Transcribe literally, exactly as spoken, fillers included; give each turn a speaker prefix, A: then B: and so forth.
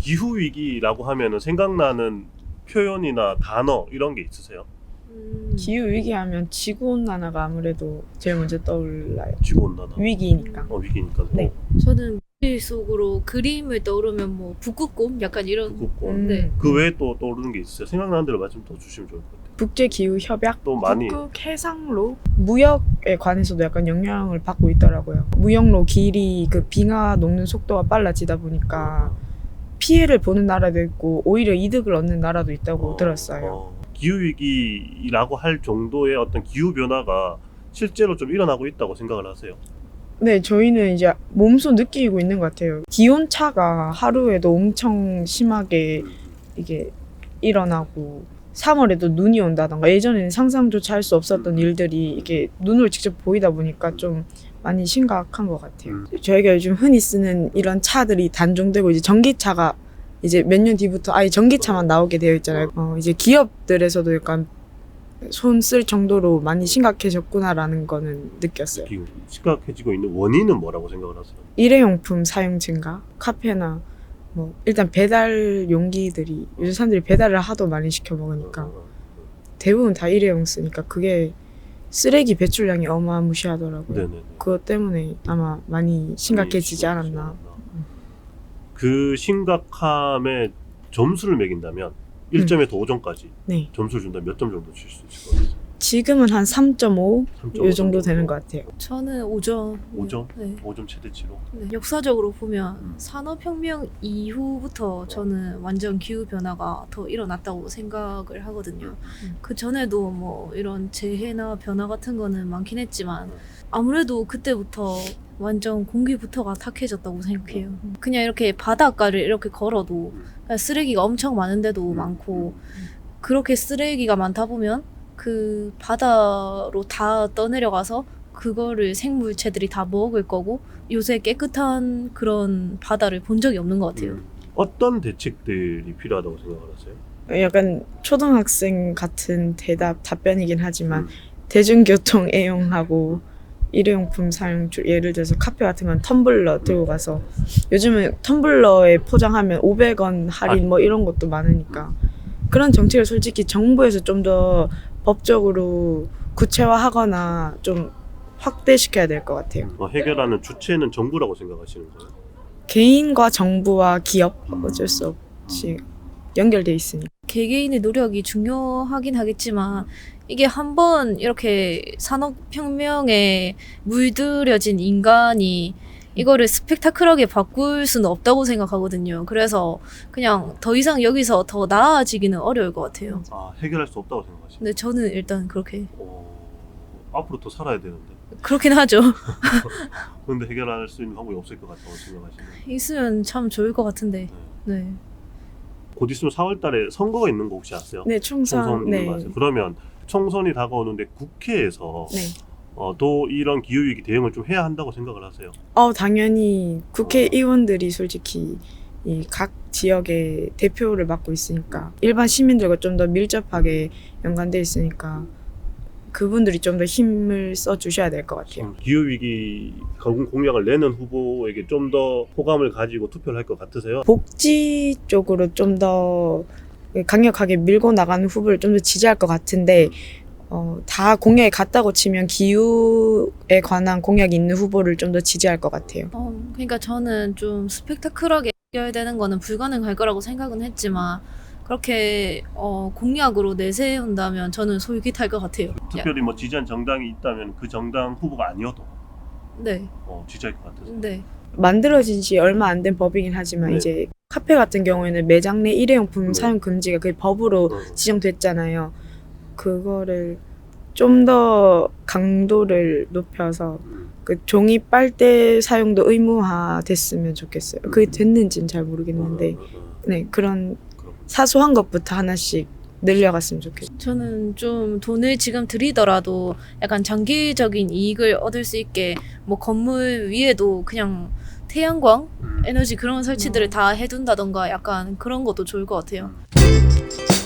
A: 기후 위기라고 하면은 생각나는 표현이나 단어 이런 게 있으세요?
B: 음,
C: 기후 위기하면 지구 온난화가 아무래도 제일 먼저 떠올라요.
A: 지구 온난화.
C: 위기니까.
A: 어 위기니까.
C: 네.
B: 저는 머릿속으로 그림을 떠오르면 뭐 북극곰 약간 이런.
A: 북극곰.
C: 음.
B: 네.
A: 그 외에 또 떠오르는 게 있으세요? 생각나는 대로 말씀 더 주시면 좋을 것 같아요.
C: 국제 기후 협약,
A: 또 많이
C: 북극 해상로, 무역에 관해서도 약간 영향을 받고 있더라고요. 무역로 길이 그 빙하 녹는 속도가 빨라지다 보니까 피해를 보는 나라도 있고 오히려 이득을 얻는 나라도 있다고
A: 어,
C: 들었어요.
A: 어, 기후 위기라고 할 정도의 어떤 기후 변화가 실제로 좀 일어나고 있다고 생각을 하세요?
C: 네, 저희는 이제 몸소 느끼고 있는 것 같아요. 기온 차가 하루에도 엄청 심하게 이게 일어나고 삼월에도 눈이 온다던가 예전에는 상상조차 할 수 없었던 일들이 이게 눈으로 직접 보이다 보니까 좀 많이 심각한 것 같아요.
A: 음.
C: 저희가 요즘 흔히 쓰는 이런 차들이 단종되고 이제 전기차가 이제 몇 년 뒤부터 아예 전기차만 나오게 되어 있잖아요. 어, 이제 기업들에서도 약간 손 쓸 정도로 많이 심각해졌구나라는 거는 느꼈어요.
A: 기후 심각해지고 있는 원인은 뭐라고 생각을 하세요?
C: 일회용품 사용 증가, 카페나 뭐 일단 배달 용기들이 요즘 사람들이 배달을 하도 많이 시켜 먹으니까
A: 어,
C: 대부분 다 일회용 쓰니까 그게 쓰레기 배출량이 어마무시하더라고요.
A: 네네.
C: 그것 때문에 아마 많이 심각해지지 않았나.
A: 그 심각함에 점수를 매긴다면 일 점에서 오 점까지
C: 네,
A: 점수를 준다면 몇 점 정도 줄 수 있을 것 같아요?
C: 지금은 한 삼 점 오
A: 삼 점 오
C: 이 정도 되는 것 같아요.
B: 저는 오 점.
A: 오 점?
B: 네.
A: 오 점 최대치로?
B: 네. 역사적으로 보면 산업혁명 이후부터 저는 완전 기후변화가 더 일어났다고 생각을 하거든요.
C: 음.
B: 그 전에도 뭐 이런 재해나 변화 같은 거는 많긴 했지만 아무래도 그때부터 완전 공기부터가 탁해졌다고 생각해요. 그냥 이렇게 바닷가를 이렇게 걸어도 그냥 쓰레기가 엄청 많은데도 많고 그렇게 쓰레기가 많다 보면 그 바다로 다 떠내려가서 그거를 생물체들이 다 먹을 거고 요새 깨끗한 그런 바다를 본 적이 없는 것 같아요.
A: 음. 어떤 대책들이 필요하다고 생각을 하세요?
C: 약간 초등학생 같은 대답 답변이긴 하지만
A: 음.
C: 대중교통 애용하고 일회용품 사용 줄 예를 들어서 카페 같은 건 텀블러 들고 가서 요즘은 텀블러에 포장하면 오백 원 할인 뭐 이런 것도 많으니까 그런 정책을 솔직히 정부에서 좀 더 법적으로 구체화하거나 좀 확대시켜야 될 것 같아요.
A: 어, 해결하는 주체는 정부라고 생각하시는 거예요?
C: 개인과 정부와 기업 어쩔 수 없이 연결돼 있으니까.
B: 개개인의 노력이 중요하긴 하겠지만 이게 한번 이렇게 산업혁명에 물들여진 인간이 이거를 스펙타클하게 바꿀 수는 없다고 생각하거든요. 그래서 그냥 더 이상 여기서 더 나아지기는 어려울 것 같아요.
A: 아 해결할 수 없다고 생각하시는
B: 근데 저는 일단 그렇게
A: 어, 앞으로 더 살아야 되는데
B: 그렇긴 하죠.
A: 그런데 해결할 수 있는 방법이 없을 것 같다고 생각하시는
B: 있으면 참 좋을 것 같은데.
A: 네.
B: 네.
A: 곧 있으면 사월 달에 선거가 있는 거 혹시 아세요?
C: 네, 총선.
A: 총선
C: 네.
A: 있는 거 아세요? 그러면 총선이 다가오는데 국회에서
C: 네.
A: 어, 또 이런 기후위기 대응을 좀 해야 한다고 생각을 하세요?
C: 어, 당연히 국회의원들이 솔직히 이 각 지역의 대표를 맡고 있으니까 일반 시민들과 좀 더 밀접하게 연관돼 있으니까 그분들이 좀 더 힘을 써 주셔야 될 것 같아요.
A: 기후위기 공약을 내는 후보에게 좀 더 호감을 가지고 투표를 할 것 같으세요?
C: 복지 쪽으로 좀 더 강력하게 밀고 나가는 후보를 좀 더 지지할 것 같은데 어, 다 공약이 같다고 치면 기후에 관한 공약이 있는 후보를 좀 더 지지할 것 같아요.
B: 어, 그러니까 저는 좀 스펙타클하게 해결되는 거는 불가능할 거라고 생각은 했지만 그렇게 어, 공약으로 내세운다면 저는 솔깃할 것 같아요.
A: 특별히 뭐 지지한 정당이 있다면 그 정당 후보가 아니어도
B: 네,
A: 어, 지지할 것 같으세요?
B: 네.
C: 만들어진 지 얼마 안 된 법이긴 하지만
A: 네.
C: 이제 카페 같은 경우에는 매장 내 일회용품
A: 네.
C: 사용 금지가 그 법으로
A: 어.
C: 지정됐잖아요. 그거를 좀 더 강도를 높여서
A: 음.
C: 그 종이 빨대 사용도 의무화 됐으면 좋겠어요. 그게 됐는지는 잘 모르겠는데
A: 어, 어, 어.
C: 네, 그런
A: 그럼.
C: 사소한 것부터 하나씩 늘려갔으면 좋겠어요.
B: 저는 좀 돈을 지금 들이더라도 약간 장기적인 이익을 얻을 수 있게 뭐 건물 위에도 그냥 태양광
A: 음.
B: 에너지 그런 설치들을 다 해둔다던가 약간 그런 것도 좋을 것 같아요.
A: 음.